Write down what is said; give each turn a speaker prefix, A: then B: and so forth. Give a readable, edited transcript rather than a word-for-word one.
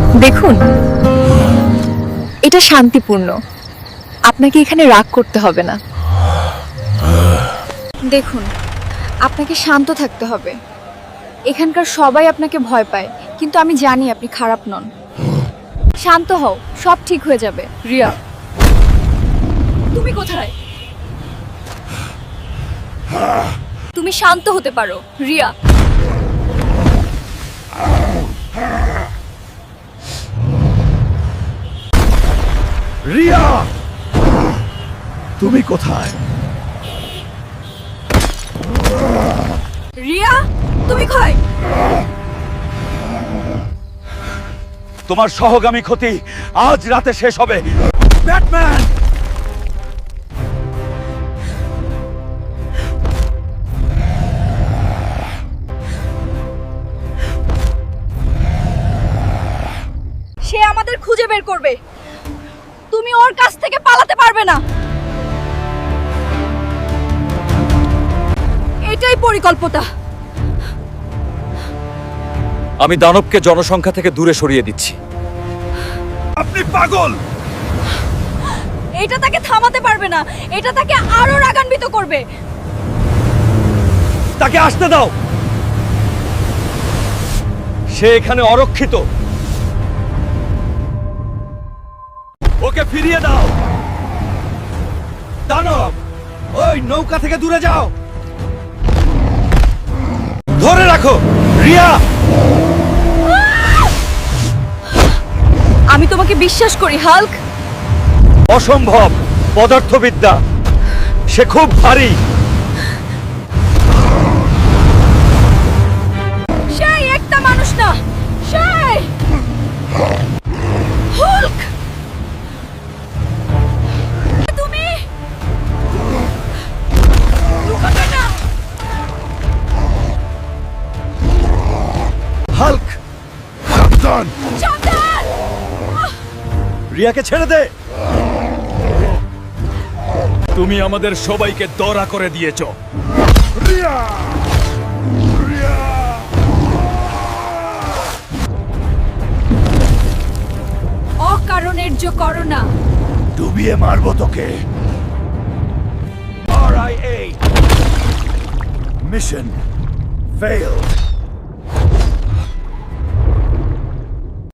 A: দেখুন, এটা শান্তিপূর্ণ। আপনাকে এখানে রাগ করতে হবে না। দেখুন, আপনাকে শান্ত থাকতে হবে। এখানকার সবাই আপনাকে ভয় পায়, কিন্তু আমি জানি আপনি খারাপ নন। শান্ত হও, সব ঠিক হয়ে যাবে। রিয়া, তুমি কোথায়? তুমি শান্ত হতে পারো, রিয়া।
B: রিয়া, তুমি কোথায়?
A: রিয়া, তুমি কই?
B: তোমার সহগামী ক্ষতি আজ রাতে শেষ হবে। ব্যাটম্যান!
A: সে আমাদের খুঁজে বের করবে। তুমি ওর কাছ থেকে পালাতে পারবে না। এটাই পরিকল্পনা।
C: আমি দানবকে জনসংখ্যা থেকে দূরে সরিয়ে দিচ্ছি।
B: আপনি পাগল!
A: এটা তাকে থামাতে পারবে না। এটা তাকে আরো রাগান্বিত করবে।
B: তাকে আসতে দাও। সে এখানে অরক্ষিত। ওকে ফিরিয়ে দাও। দানব, ওই নৌকা থেকে দূরে যাও। ধরে রাখো, রিয়া।
A: আমি তোমাকে বিশ্বাস করি, হাল্ক।
B: অসম্ভব পদার্থবিদ্যা। সে খুব ভারী।
A: সেই একটা মানুষ না, সেই হাল্ক। তুমি লুকাবে না।
B: হাল্ক, সাবধান।
A: সাবধান!
B: রিয়াকে ছেড়ে দে। তুমি আমাদের সবাইকে দড়া করে দিয়েছ। রিয়া! রিয়া!
A: অকারণের যে করোনা।
B: ডুবিয়ে মারবো তোকে। RIA mission failed.